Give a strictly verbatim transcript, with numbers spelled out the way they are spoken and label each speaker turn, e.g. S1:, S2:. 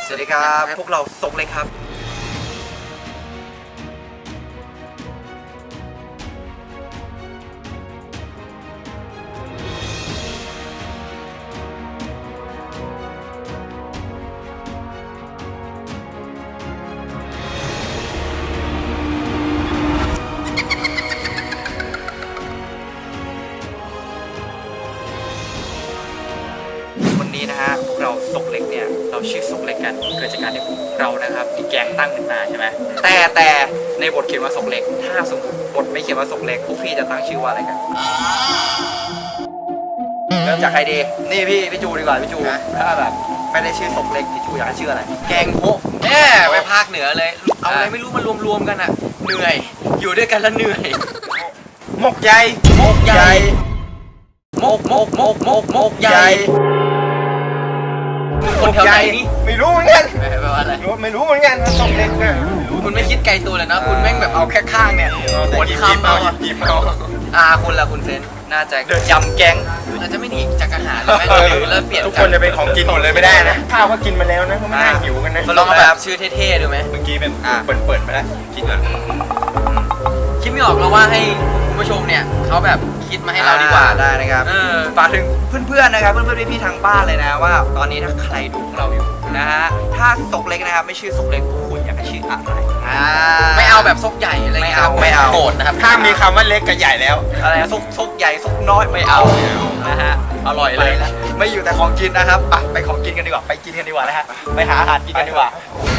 S1: สวัสดีครับพวกเราซกเล็กครับวันนี้นะฮะพวกเราซกเล็กเนี่ยเราชื่อซกเล็กกันเกิดจากการที่เรานะครับมีแกงตั้งขึ้นมาใช่ไหมแต่แต่ในบทเขียนว่าซกเล็กถ้าสมมติบทไม่เขียนว่าซกเล็กพวกพี่จะตั้งชื่อว่าอะไรกันเริ่มจากใครดีนี่พี่พี่จูดีกว่าพี่จูถ้าแบบไม่ได้ชื่อซกเล็กพี่จูอยากให้ชื่ออะไรแกงโฮแน่ไปภาคเหนือเลยเอาอะไรไม่รู้มารวมๆกันอ่ะเหนื่อยอยู่ด้วยกันแล้วเหนื่อยมกใหญ่มกใหญ่มกมกมกมกมกใหญ่คนแถวไหนนี่ไม่รู้เหมือนกันแปลว่าอะไรไม่รู้เหมือนกันซกเล็กเนี่ยคุณไม่คิดไกลตัวเลยนะคุณแม่งแบบเอาแค่ข้างเนี่ยหมดคำเอาหยิบเอาอ่าคุณละคุณเซนน่าจะยำแกงเราจะไม่หนีจากอาหารเลยหรือแล้วเปลี่ยน
S2: ทุกคนจะเป็นของกินหมดเลยไม่ได้นะข้าวก็กินมาแล้วนะก็ไม่น่าหิวกันนะ
S1: ลองแบบชื่อเท่ๆดูไหม
S2: เมื่อกี้เป็นเปิดเปิดมาแล้วคิดก่อน
S1: คิดไม่ออกเราว่าให้คุณผู้ชมเนี่ยเขาแบบคิดมาให้เราดีกว่าได้นะครับฝากถึงเพื่อนๆนะครับเพื่อนๆพี่ๆทางบ้านเลยนะว่าตอนนี้ถ้าใครดูเราอยู่นะฮะถ้าซกเล็กนะครับไม่ชื่อซกเล็กคุณอยากให้ชื่ออะไรไม่เอาแบบซกใหญ่อะไรไม่เอาไม่เอาโกรธนะครับ
S2: ถ้ามีคำว่าเล็กกับใหญ่แล้ว
S1: อะไรซกซกใหญ่ซกน้อยไม่เอานะฮะอร่อยเลยไม่อยู่แต่ของกินนะครับไปไปของกินกันดีกว่าไปกินกันดีกว่านะฮะไปหาอาหารกินกันดีกว่า